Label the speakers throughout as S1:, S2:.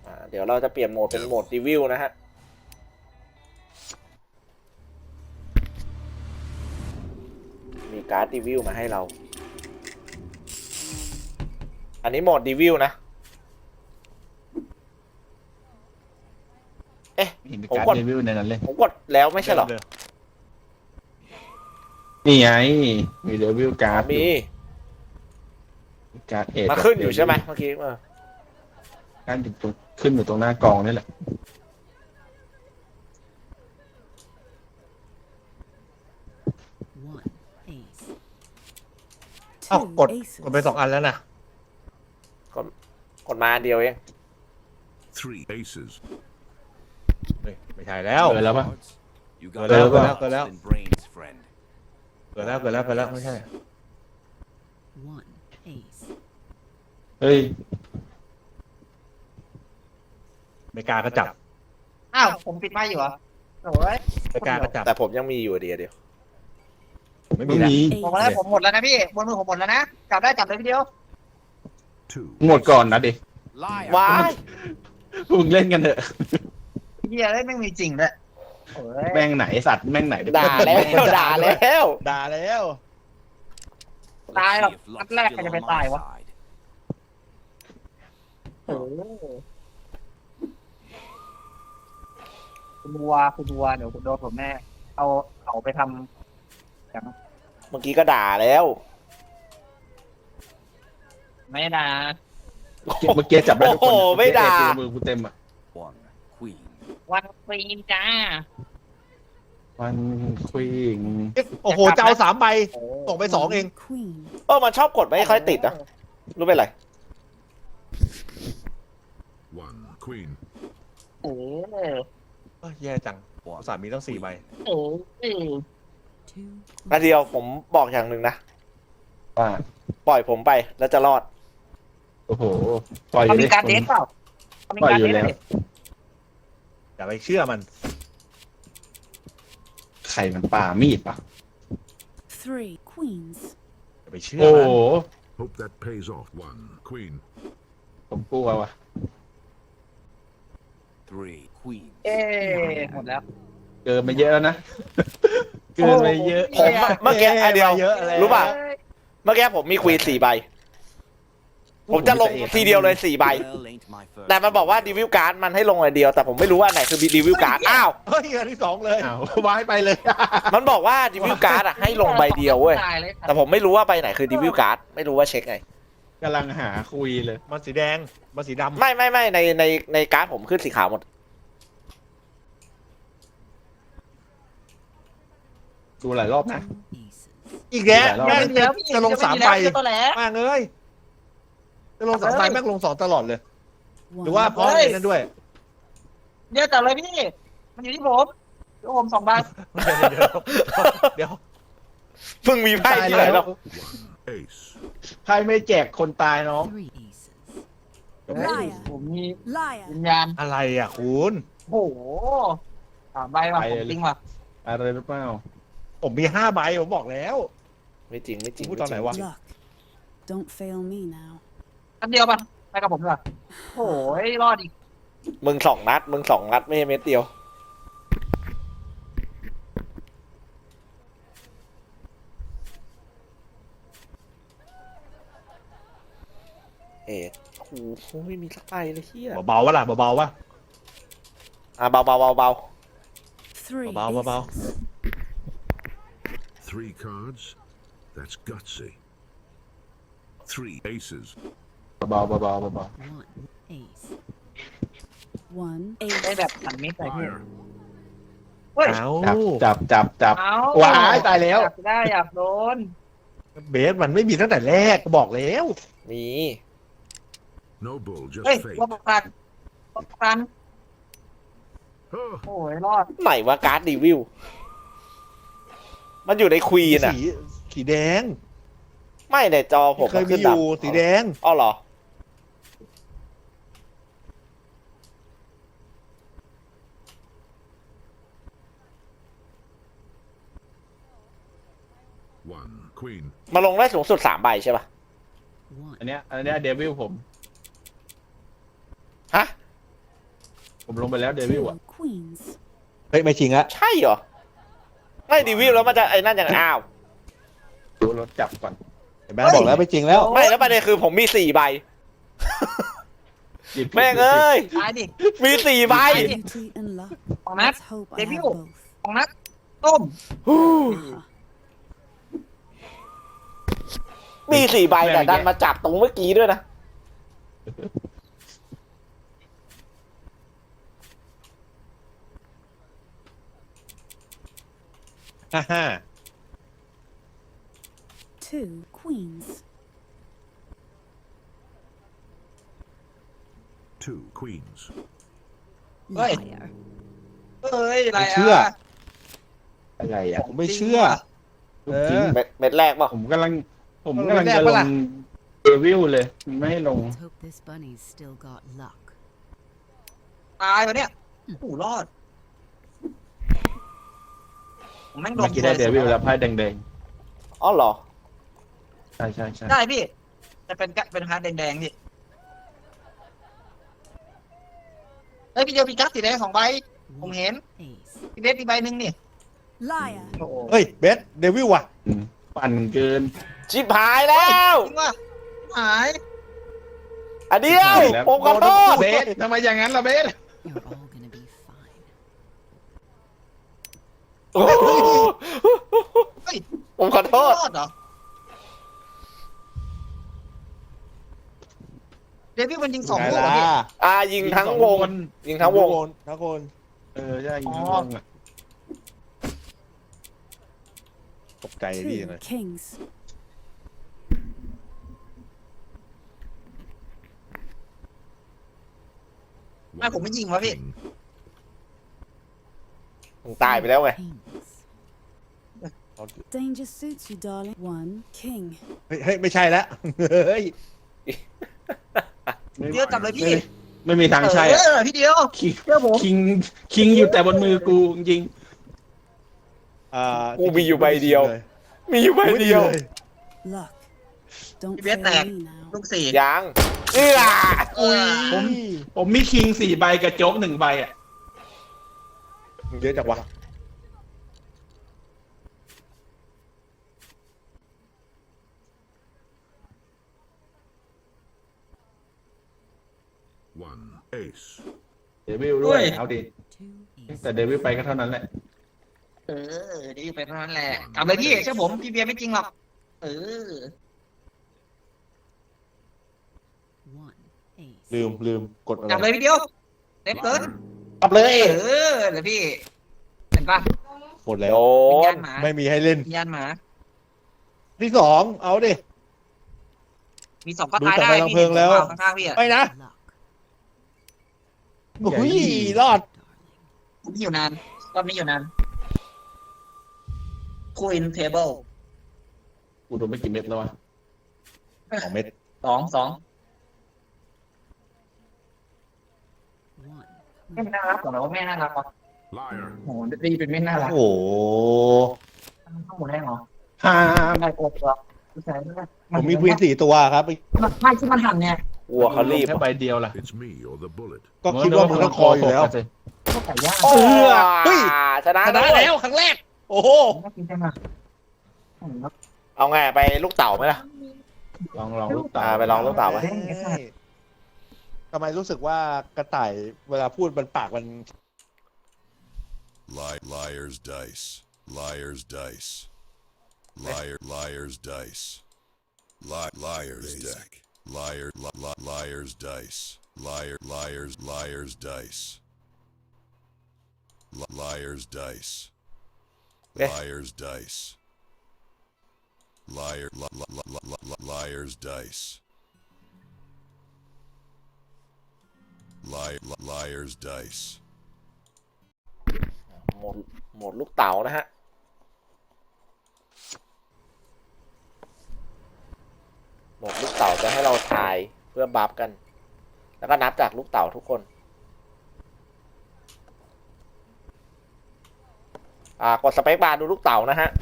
S1: เดี๋ยวเราจะเปลี่ยนโหมดเป็นโหมดรีวิวนะฮะมีการ์ดรีวิวมาให้เราอันนี้โหมดรีวิวนะเอ๊ะ
S2: มี
S1: ผม
S2: การ
S1: กด
S2: รีวิวในนั้นเลย
S1: ผมกดแล้วไม่ใช่เหรอ
S2: นี่ไงมีรีวิวการ์ด
S1: มี
S2: การ์ดเอ
S1: มาขึ้นอยู่ใช่ไหมเมื่อกี้
S2: การ์ดตรงขึ้นอยู่ตรงหน้ากองนี่แหละ
S3: อ้าวกดไป2 อันแล้วนะ
S1: กดมาอันเดียวเอง
S4: Three aces.
S3: เฮ้ยไม่ใช่แล้ว
S2: เกิดแล้วปะ
S4: You
S3: Got
S4: got
S3: it,
S4: a
S3: got it,
S4: lost
S3: got it.
S4: in brains, friend.
S3: เกิดแล้วไม่ใช่
S2: เฮ้ย
S3: ไม่กล้าก็จับ
S5: อ้าวผมปิดไม้อยู่เหรอโอ้ย
S3: ไม่กล้าก็จับ
S1: แต่ผมยังมีอยู่เดียว
S3: ผมไม่
S2: ไม่
S3: มีแล้ว
S2: มี
S5: ผมแล้วผมหมดแล้วนะพี่บนมือผมหมดแล้วนะจับได้จับเลยพี่เดียว
S4: Two.
S2: หมดก่อนนะดิ
S4: Liar.
S1: ว้าย
S2: มึงเล่นกันเถอะ
S5: เฮียได้ไม่มีจริงเลยโอ้ย
S2: แม่งไหนสัตว์แม่งไหน
S1: ด่าแล้วด่าแล้ว
S3: ด่าแล้ว
S5: ตายหรอก
S4: See if
S5: นัด
S4: luck's
S5: แรก
S4: still
S5: ใครจะ
S4: on
S5: ไป
S4: my
S5: ตายวะ
S4: side.
S5: โอ้คุณวัวเดี๋ยวคุณโดนผมแน่เอาไปทำอย่าง
S1: เมื่อกี้ก็ด่าแล้ว
S5: ไม่นะ
S2: เมื่อกี้จับได้ทุกคน
S1: โอ้โหไม่ด่า
S2: มือกูเต็มอ่ะ
S4: One queen.
S5: วันฟรีนจ้า
S2: วันควีน
S3: โอ้โหจะเอา3 ใบ
S5: โอ้
S3: ส่งไป2 เอง
S1: มันชอบกดไม่ค่อยติดนะรู้เป็นไร
S4: One queen.
S5: เออ
S3: เอ้ยแย่จังอุตส่าห์มีตั้ง4 ใบ
S5: เออเออ
S1: อันเดียวผมบอกอย่างหนึ่งนะ
S2: ว่า
S1: ปล่อยผมไปแล้วจะรอด
S2: โอ้โหปล่อยอ
S5: เขา
S2: ยู่
S5: มี
S2: ดิ
S5: การเดทเปล่าเขามีการเดทเลย
S3: อย่าไปเชื่อมัน
S2: ไข่มันป่ามีดปะ
S3: อย่าไปเชื่อ
S2: โอ้
S3: มัน
S2: โห
S4: Hope that pays off. One queen.
S2: ผมกลัวว่ะ
S4: Three queens.
S5: เอ๊หมดแล้ว
S2: เกินไปเยอะแล้วนะ เกินไปเยอะ
S1: ผมเมื่อกี้อันเดียว
S3: เยอะแล้ว
S1: รู้ป่ะ เมื่อกี้ผมมีควีน4 ใบ ผมจะลงทีเดียวเลย4 ใบ
S4: Well, ain't my first
S1: แต่มันบอกว่ารีวิวการ์ดมันให้ลงอันเดียว แต่ผมไม่รู้ว่าอันไหนคือรีวิวการ์ด อ้าว
S3: เฮ้ยอันที่2เลย
S2: อ้าววายไปเลย
S1: มันบอกว่ารีวิวการ์ดอะให้ลงใบเดียวเว้ย
S5: ตายเลย
S1: แต่ผมไม่รู้ว่าใบไหนคือรีวิวการ์ด ไม่รู้ว่าเช็คไง
S2: กำลังหาคุยเลย
S3: มันสีแดงมันสีดำ
S1: ไม่ในการ์ดผมขึ้นสีขาวหมด
S2: ดูหลายรอบนะ
S3: อีกแล้ว
S2: หลายรอบ
S3: แม่ง
S5: เดี๋ยวพี่
S3: จะลง3 ใบ
S5: เดี๋ยวตัวแหละ
S3: แม่งเอ้ยจะลง2 ใบแม่งลง2 ตลอดเลย หรือว่าเพราะ
S5: เฮ้ย
S3: ไอ้นั่นด้วย
S5: เดี๋ยวจับเลยพี่ มันอยู่ที่ผมเดี๋ยวผม2 ใบ
S3: เดี๋ยว
S1: เพิ่งมีไพ่ที่ไหนหรอก
S4: ace.
S2: ใครไม่แจกคนตายน้อง
S5: เฮ้ยผมมีวิญญาณ
S3: อะไรอ่ะคุณ
S5: โอ้โห3 ใบว่ะผมจริงว่ะ
S2: อะไรหรือเปล่า
S3: ผมมี5 ใบผมบอกแล้ว
S1: ไม่จริงไม่จริง
S3: พูดตอนไหนวะ
S6: Don't fail me now.
S5: อันเดียวป่ะไปกับผมดีกว่าโอ้ยรอดอีก
S1: มึง2 นัดไม่ใช่เม็ดเดียว เอ็ดโอ้โหไม่มีสักใบเลยเฮีย
S3: เบาๆวะล่ะเบาๆวะ
S1: เบา
S6: Three.
S3: Bow, bow, bow.
S6: aces.
S4: Three cards. That's gutsy. Three aces.
S2: เบาๆเบาๆเบา
S6: One ace. One
S5: ได้
S6: ace.
S5: แบบหันมิดไปพี่
S4: Liar.
S5: เฮ้ย
S3: เอา
S2: ๆจับ
S5: เอา
S2: ว้ายตายแล้ว
S5: อยากได้อยากโดน
S3: เบสมันไม่มีตั้งแต่แรกก็บอกแล้ว
S1: มี
S4: No bull, just
S5: เฮ้ย
S4: fate.
S5: ว่าประกัน
S4: Oh,
S5: โอ้ยรอด
S1: ไหนว่าการ์ดรีวิว มันอยู่ในควีนอะ
S3: สีแดง
S1: ไม่ในจอผม
S3: เคย
S1: น
S3: มี
S1: ขึ้น
S3: อยู่
S1: ดำ
S3: สีแดง
S1: อ๋อเหรอ
S4: one queen.
S1: มาลงได้สูงสุด3 ใบใช่ป่ะ
S6: One.
S2: อันเนี้ยเดวิลผม
S1: ฮะ
S2: ลงไปแล้วเดวิล
S6: Two
S2: อ่ะ
S6: queens.
S3: เฮ้ยไม่จริงอะ
S1: ใช่เหรอ ไม่ดีวิวแล้วมันจะไอ้นั่นอย่างอ้าว
S2: ดูรถจับก่อน
S3: เห็นไหมบอกแล้วไม่จริงแล้ว
S1: ไม่แล้วประเด็นคือผมมี4 ใบ
S2: หยิบ
S1: แม่งเอ้ย
S5: ตายดิ
S1: มี4 ใบ
S6: Beauty and luck.
S5: ของนัด
S6: Let's hope I have
S5: Debut.
S6: both.
S5: ของนัดต้ม
S6: Uh-huh.
S1: มี4 ใบแต่ดันมาจับตรงเมื่อกี้ด้วยนะ
S3: ฮ่า
S6: Two queens.
S4: 2 queens.
S5: Oi.
S6: Liar.
S5: เอ้ยอะไร
S3: ไม่เชื่อ
S5: อ่ะ
S2: อะไรอ่ะ
S3: ผมไม่เชื่อ
S2: ลูกจริง
S1: เม็ดแรกเปล่ะ
S2: ผมกำลังจะ
S3: แรก
S2: ล
S3: ปะล่ะ
S2: งเดวิลเลยไม่ให้ลง
S7: Let's hope this bunny's still got luck.
S5: ตายปะเนี่ยโอ้โหรอดผมแม่งโด
S2: เมื่
S5: น
S2: อกี้ได้เดวิลแล้วไพ่แดง
S1: อ๋อเหรอ
S2: ๆใช่ใช่ใช่
S5: ได้พี่จะเป็นฮาร์ดแดงๆพี่เฮ้ยพี่เดียวพี่กัสสีแดง2 ใบ ผมเห็น
S7: Ace.
S5: พี่เบสมีใบหนึ่งนี่
S6: Liar.
S5: โอ้โห
S3: เฮ้ยเบสเดวิลว่ะ
S2: ปั่นเกิน
S1: ชิบหายแล้ว
S5: จริงว่ะหาย
S1: อันเดียว
S2: หายแล้ว
S1: ผมขอโทษ
S2: เบสทำไมอย่างนั้นล่ะเบส
S7: You're all gonna be fine.
S1: โอ้โห
S5: เฮ้ย
S1: ผมขอโทษ
S5: รอดเหรอเดวิลมันยิง2
S3: ไง
S5: ลูกเหรอ
S3: ล่ะ
S5: พี่
S1: ยิงทั้งวง ยิงทั้งวง
S3: ทั้งคน
S2: ใช่ยิงทั้งวงอ่ะ
S3: ตกใจพี่
S6: Two
S3: เลย
S6: kings.
S5: ไม่ผมไม่ยิงวะพี่
S4: King.
S1: มึงตายไปแล้วไง
S7: Kings.
S6: Danger suits you, darling. One king.
S3: เฮ้ยไม่ใช่แล้วเฮ้ย
S5: เดียวจับเลยพี่
S2: ไม่มีทางใช่อะ
S5: พี่เดียว
S2: คิง
S5: เชื่อผม
S2: คิงอยู่แต่บนมือกูจริง
S1: กูมีอยู่ใบเดียว มีอยู่ใบเดียว
S6: Luck. Don't
S5: พี่เบส
S6: fail
S5: แตก
S6: me now.
S5: ลูกสี่
S1: ยังเอื้อ
S3: อุ้ย
S2: ผมมีคิง4 ใบกับโจ๊ก1 ใบอ่ะ
S3: เยอะจังวะ
S4: 1 ace.
S2: เดวิลด้วยเอาดิ
S7: Two aces.
S2: แต่เดวิลไปก็เท่านั้นแหละ
S5: ดีไปเท่านั้นแหละจับเลยพี่เชื่อผมพี่เบียร์ไม่จริงหรอกเออ
S7: One ace.
S3: ลืมกดอะไร
S5: จับเลยพี่เดียวเต็มเกิน
S2: กลับเลย
S5: เดี๋ยวพี่เห็นปะ
S3: หมดแล้ว
S1: โด
S5: วิญญาน ณหมา
S3: ไม่มีให้เล่น
S5: วิญญาณหมา
S3: ที่สองเอาดิ
S5: มี2 ก็ตาย
S3: ดูจาก
S5: ได้
S3: ใบ
S5: พี่
S3: เพลิงแล้ว
S5: ข้างๆพี่อะ
S3: ไม่นะ
S7: Luck.
S3: อุ้ยรอด
S7: Darling.
S5: ผมอยู่นานรอบนี้อยู่นานคูอินเทเบิล
S2: กูโดนไม่กี่เม็ดแล้ววะ
S3: 2 เม็ด
S5: 2
S7: One.
S5: แม่น่ารักของเราว่าแม่น่ารักวะ
S4: Liar.
S5: โหดีเป็นแม่น่ารัก
S3: โอ้โห
S5: ข้างหมดได้เหรอ
S2: ห้า
S5: ไม่ได้กบหรอกผู้ชายไ
S3: ผมมีควีน4 ตัวครับ
S5: ไม่ที่มันหันเนี่ย
S1: วัวเขารีบ
S2: แค่ใบเดียวล่ะ
S4: It's me or the bullet.
S3: ก็คิดว่ามึงต้องคออยู่แล้ว
S5: ก็ไก่ย่าง
S1: โอ้
S3: เฮ้ย
S1: ชนะ
S3: ชนะ
S1: ด้วย
S3: แล้วครั้งแรก โอ้โห
S5: น่ากินจังอ่ะ
S1: เอาไงไปลูกเต่าไหมล่ะ
S2: ลองลูกตา
S1: ไปลองลูกเต่าไหม
S3: ทำไมรู้สึกว่ากระต่ายเวลาพูดมันปากมัน
S8: Liar's dice. Liar's dice. Liar's dice. Liar's deck. Liar's dice. Liar's dice. Liar's dice. Liar's dice. Liar's dice. Liar's dice.
S1: หมดลูกเต่านะฮะ หมดลูกเต่าจะให้เราทายเพื่อบัฟกัน แล้วก็นับจากลูกเต่าทุกคน กดสเปคบาร์ดูลูกเต่านะฮะ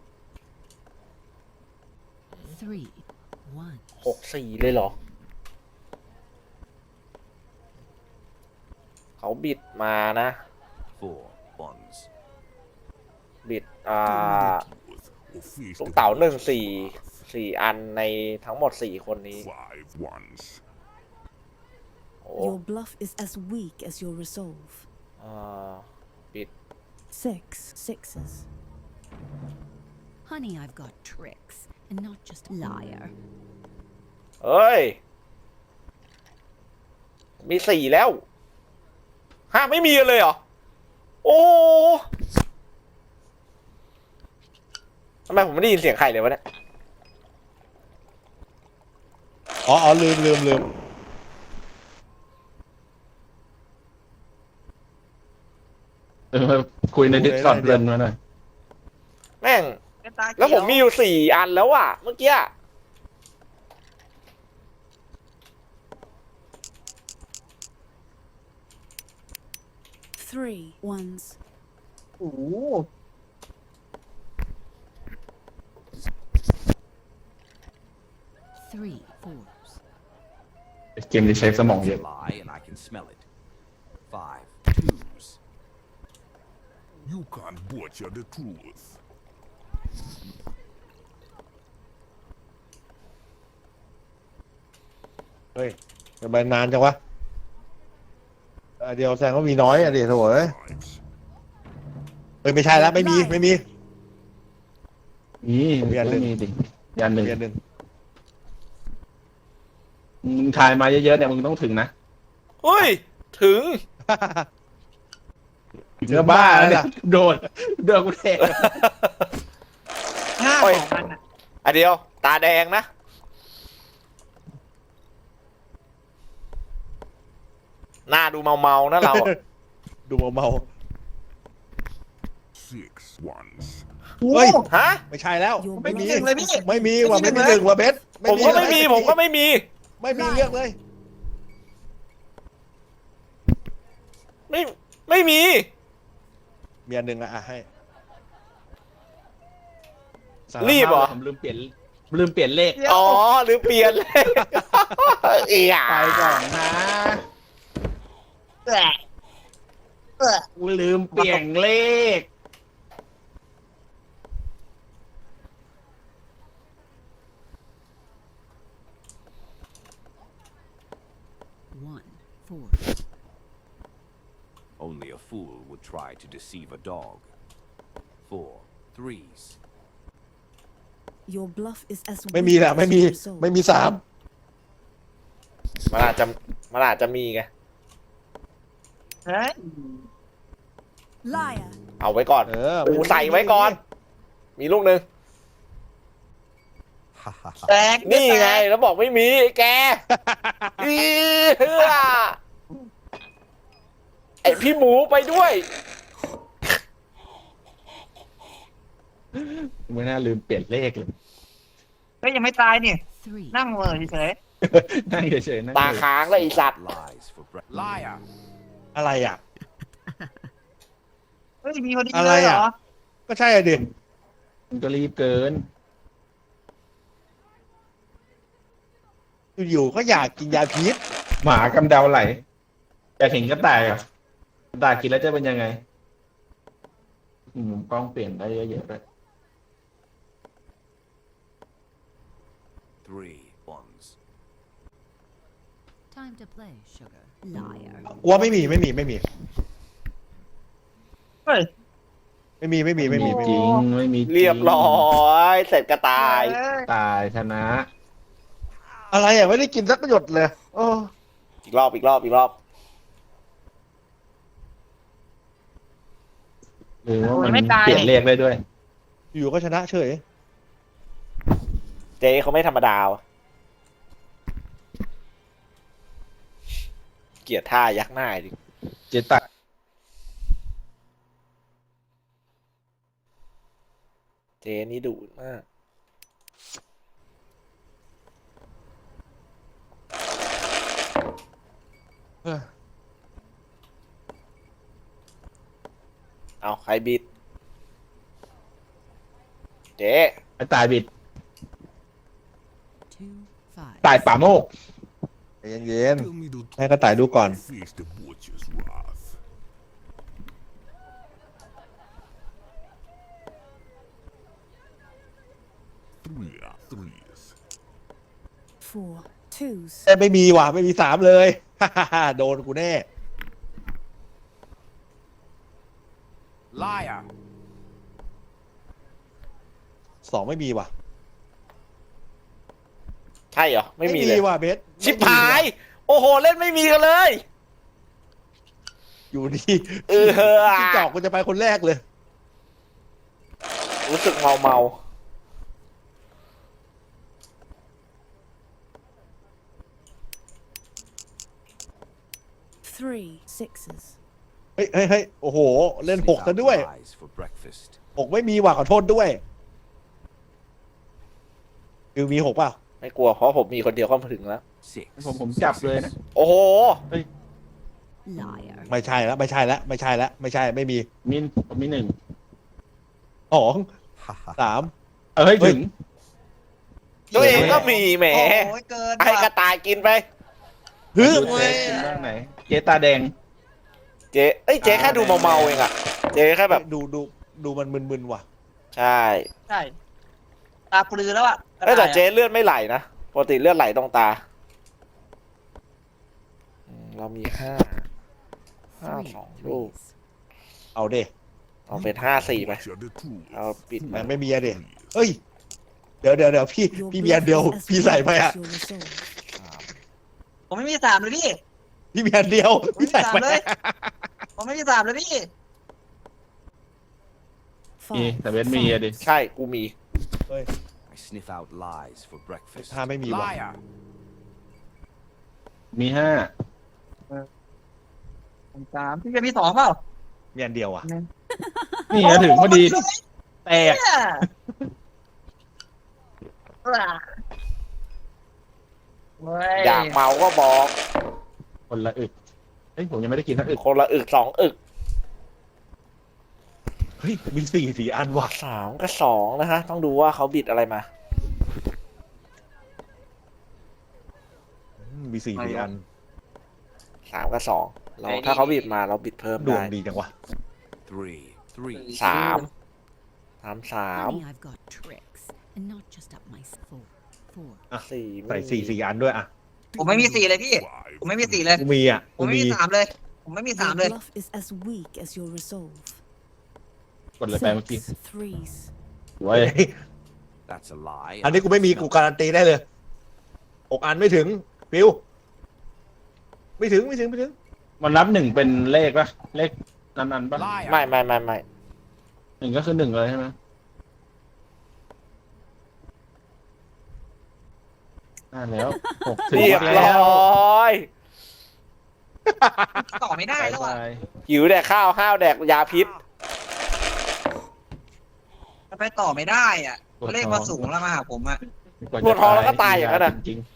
S7: Three. One.
S1: 6-4 เลยเหรอเขาบิดมานะ
S8: Four ones.
S1: บิด
S4: Or feast
S1: ลูก
S4: the
S1: เต๋า
S4: gods
S1: สี่อันในทั้งหมด4 คนนี้
S4: five ones.
S1: โอ้
S6: Your bluff is as weak as your resolve.
S1: บิด
S6: Six sixes.
S7: Honey, I've got tricks, and not just liar.
S1: เอ้ย มี4แล้วฮะไม่มีเลยเหรอ โอ้ทำไมผมไม่ได้ยินเสียงใครเลยวะเนี่ย
S3: อ๋อลืม
S2: คุยในดิสคอร์ดเดินมาหน่อย
S1: แม่ง
S5: ตาเขีย
S1: แล้วผมมีอยู่4 อันแล้วอะเมื่อกี้
S6: Three ones.
S3: โอ้โห
S7: Three fours.
S2: เกมนี้ใช้สมองเยอะ
S8: Lie and I can smell it. Five twos.
S4: You can't butcher the truth.
S3: เฮ้ยทำไมนานจังวะเดียวแสดงว่ามีน้อยอ่ะดิโถ่เอ้ย
S4: Fives.
S3: เฮ้ยไม่ใช่แล้วไม่มี
S2: นี่
S3: ผมยันหนึ่ง
S2: มีดิยันหนึ่ง
S3: เรียนหนึ่ง
S2: มึงทายมาเยอะๆเนี่ยมึงต้องถึงนะ
S1: เฮ้ย ถึง
S2: เนื้อบ้าแล้วเนี่ยโดนกูเท
S5: ห้า
S1: โอ้ย
S5: สองอันอะ
S1: อันเดียว ตาแดงนะ หน้าดูเมาๆนะเราอะ
S3: ดูเมา
S4: Six ones.
S3: ๆเฮ้ย
S1: ฮะ
S3: ไม่ใช่แล้ว
S6: Your
S3: ไม่มี
S6: bluff is
S5: เลยพี่
S3: ไม่มีว่ะไม่มีหนึ่งว่ะเบส
S1: ผมก็ไม่มี ผมก็ไม่มี
S3: ไม่มีเลือกเลย
S1: ไม่มี
S3: มีอันหนึ่งอ่ะให้
S1: รีบเหรอ
S2: ผมลืมเปลี่ยนเลข
S1: อ๋อ หรือเปลี่ยนเลย เอีย
S2: ไปก่อนนะ
S5: แอะแอะ
S2: กูลืมเปลี่ยนเลข
S7: One four.
S8: Only a fool would try to deceive a dog. Four threes.
S6: Your bluff is as
S3: ไม่มี
S6: weak
S3: แหละ
S6: as
S3: ไม่มี
S6: your resolve.
S3: ไม่มีสาม
S1: มันอาจจะมีไง
S5: เฮ้ย
S6: Liar.
S1: เอาไว้ก่อน กูใส่ไว้ก่อน มีลูกหนึ่ง
S5: แตก
S1: นี่ไง แล้วบอกไม่มีไอ้แก อีเหือไอพี่หมูไปด้วย
S2: ไม่น่าลืมเปลี่ยนเลขเลย
S5: เฮ้ยยังไม่ตายนี่
S7: Three.
S5: นั่งเหม่อเฉย
S2: นั่งเฉยๆนั่ง
S1: ตาค้างแล้วไอสัตว์
S8: Lies for breakfast. Liar.
S3: อะไรอ่ะ
S5: ๆเฮ้ยมีคนดี
S3: อะไร
S5: เลยเหร
S3: อ่ะ
S5: อ
S3: ก็ใช่อ่ะดิ
S2: มึงก็รีบเกิน
S3: อยู่ๆก็อยากกินยาพิษ
S2: หมากำเดาไหลอยากเห็นกระต่ายอ่ะกระต่ายกินแล้วจะเป็นยังไงมุมกล้องเปลี่ยนได้เยอะๆด้วย
S8: Three ones.
S7: Time to play, sugar. Liar.
S3: กลัวไม่มี
S5: เฮ้ย
S3: ไม่มี
S2: จริงไม่มีจง
S1: เรียบร้อย เสร็จกระต่าย
S2: ตายชนะ
S3: อะไรอ่ะไม่ได้กินสักหยดเลยโอ้
S1: อีกรอบ
S2: หรือว่า
S5: โอ้
S2: มั
S5: ย
S2: น
S5: ไม่ตาย
S2: เปลี่ยนเลขได้ด้วย
S3: อยู่ๆก็ชนะเฉย
S1: เจ๊เขาไม่ธรรมดาวะเกลียดท่ายักหน้าดิ
S2: เจตัก
S1: เจ๊นี่ดุมาก
S3: เออ
S1: เอาใครบิด เจ๊
S2: ไอ้ตายบิด
S7: Two five.
S2: ตายป่าโมก
S3: ใจเย็น
S4: Tell me the
S3: ๆให้กระต่ายดูก่อน
S4: feast the butcher's wrath. 3 threes.
S6: 4 twos.
S3: แต่ไม่มีว่ะไม่มีสามเลย โดนกูแน่
S8: Liar.
S3: สองไม่มีว่ะ
S1: ใช่เหรอ ไม่มีเลย
S3: ว่ะเบส
S1: ชิบหาย โอ้โห เล่นไม่มีกันเลย
S3: อยู่ดี
S1: เออ
S3: ที่จอกกูจะไปคนแรกเลย
S1: รู้สึกเมา
S6: 3 sixes.
S3: เฮ้ยเฮ้ยเฮ้ยโอ้โห เล่นหก
S8: Sniff
S3: ซะ
S8: out
S3: ด้วย
S8: lies for breakfast.
S3: หกไม่มีว่ะขอโทษด้วยคือมีหกเปล่า
S1: ไม่กลัวเพราะผมมีคนเดียวเข้ามาถึงแล้ว
S8: 6.
S2: ผมจับเลยนะ
S1: โอ้โห
S7: Liar.
S3: ไม่ใช่แล้วไม่ใช่แล้วไม่ใช่แล้วไม่ใช่ไม่มี
S2: ผมมีหนึ่ง
S3: สองสาม
S2: เฮ้ยถึง
S1: ตัวเองก็มีแหม
S5: โอ้ยเกิน
S1: ให้ก
S5: ว่ะ
S1: ระต่ายกินไป
S3: ฮึ
S2: ดู
S3: บ
S2: เจ๊กินบ้างไหน เจ๊ตาแดง
S1: เจ๊เอ้ยเจ๊แค่ดูเมาๆเองอะเจ๊แค่แบบ
S3: ดูมันมึนๆว่ะ
S1: ใช่
S5: ใช่ตาปลือแล้วอ่ะ
S1: เอ้ยแต่เจ๊เลือดไม่ไหลนะปกติเลือดไหลตรงตาเรามีห้า
S7: Three
S1: สองลูก
S7: threes.
S3: เอาเด้
S1: เอาเป็น5-4ไป
S4: Butcher the truth.
S1: เอาปิด
S3: มั
S1: มัน น
S3: ไม่มีอะเด้เฮ้ยเดี๋ยวพี่
S6: Your
S3: พี่มีอัน
S6: bluff
S3: เดียว
S6: is as
S3: พี่ใส่
S6: weak
S3: ไปอะ
S6: as your resolve.
S5: ผมไม่มีสามเลยพี่
S3: พี่มีอันเดียว
S5: ผม
S3: พี่
S5: ไม่มี
S3: ใส่
S5: สาม
S3: ไป
S5: เลย ผมไม่มีสามเลยพี่
S2: มี
S6: 5
S2: แต่เบสมีอะดิ
S1: ใช่กูมี
S8: I sniff out lies for breakfast.
S3: ถ้าไม่มีว่ะ
S8: Liar.
S2: มีห้า
S5: ผมสามพี่จะมีสองเปล่า
S3: มีอันเดียวอ่ะ
S2: นี่ไงถึงพอดี แตก
S5: เนี่ยเว้ย
S1: อยากเมาก็บอก
S2: คนละอึกเฮ้ยผมยังไม่ได้กินทั้งอึก
S1: คนละอึก2 อึก
S3: เฮ้ยมีสี่อันว่ะ
S1: 3 กับ 2 นะฮะ ต้องดูว่าเขาบิดอะไรมา
S3: มีสี่อัน
S1: 3 กับ 2 เราถ้าเขาบิดมาเราบิดเพิ่ม
S3: ดว
S1: ได้
S3: งดีจังวะ
S8: 3 threes.
S1: 3
S7: Honey, I've got tricks, and not just up my 4.
S1: 4
S3: ใส่สี่อันด้วยอ่ะ
S5: ผมไม่มีสี่เลยพี่
S4: 5
S5: ผมไม่มีสี่เลย
S3: กูมีอ่ะ
S5: ผมไม่มีสามเลย ผมไม่มีสาม
S6: Your
S5: เลย
S6: bluff is as weak as your resolve.
S2: กดเลยไปเมื่อกี้
S6: 6 threes.
S2: ไว้
S8: That's a lie.
S3: อันนี้กูไม่มีกูการันตีได้เลย6อันไม่ถึงฟิวไม่ถึง
S2: มันนับหนึ่งเป็นเลขปะเลขนั้นๆปะ
S8: Liar.
S1: ไม่
S2: หนึ่งก็คือหนึ่งเลยใช่ไหมน่าแล้วหกถึง
S1: เรียบ
S2: แล้ว
S1: ร้อย
S5: ต่อไม่ได้แล้วอ่ะ
S1: หิวแดกข้าวห้าวแดกยาพิษ
S5: ไปต่อไม่ได้อ่ะเลขมาสูงแล้วมาหาผมอ่ะ
S1: ปวดท้องแล้วก็ตายอย่างนั้นน่ะ
S2: จริง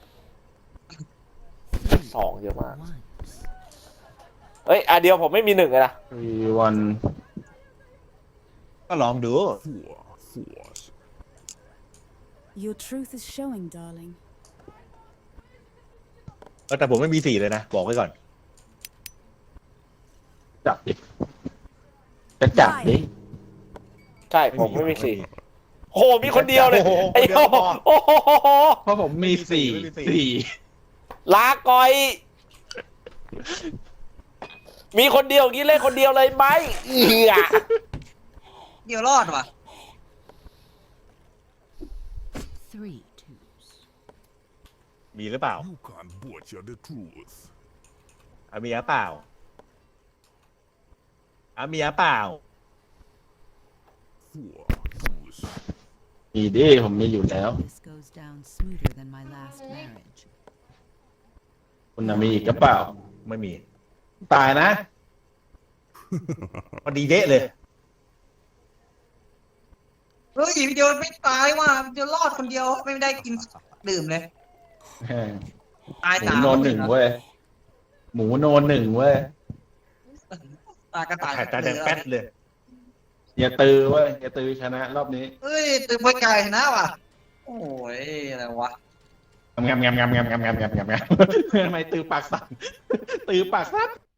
S1: 2 เยอะมาก
S7: Ones.
S1: เอ้ยอันเดียวผมไม่มี 1 เลยนะ
S2: ๆวัน
S3: ก็ลองดู
S4: 4 fours.
S6: Your truth is showing, darling.
S3: แต่ผมไม่มีสี่เลยนะบอกไว้ก่อน
S2: จับดิจะจับดิ
S1: ใช่ผมไม่มี 4 โอ้โหมีคนเดียวเลย
S3: โอ้โห
S1: ไอ้
S3: คนเดียวพอ
S1: โอ้โห
S2: เพราะผมมีสี่
S3: ไม่มีสี่
S2: สี่
S1: ลาก่อย มีคนเดียวอย่างนี้เล่นคนเดียวเลยไหมเหี้ย
S5: เดียวรอดว่ะ
S7: 3 twos.
S3: มีหรือเปล่า
S4: You can't butcher the truth.
S3: มีหรือเปล่ามีหรือเปล่า
S4: 4 twos.
S2: มีดิผมมีอยู่แล้ว
S7: This goes down smoother than my last marriage.
S2: คุณน่ะมีอีกกระเปล่า
S3: ไม่มี
S2: ตายนะ
S3: พอดีเดะเลย
S5: เฮ้ยวิดีโอไม่ตายว่ะวิดีโอรอดคนเดียวไม่ได้กินดื่มเลย ตาย
S2: หมู
S5: สาม
S2: โนนหนึ่งเว้ย หมูโนนหนึ่งเว้ย
S5: ตายกระต่าย
S3: ถ่ายตาแดงแป๊ดเลย
S2: อย่าตือเว้ยอย่าตือชนะรอบนี้
S5: เฮ้ยตื่นไปไก่ชนะว่ะ โอ้ยอะไรวะ
S2: งามทำไมตือปากสั่นตือปากสั่น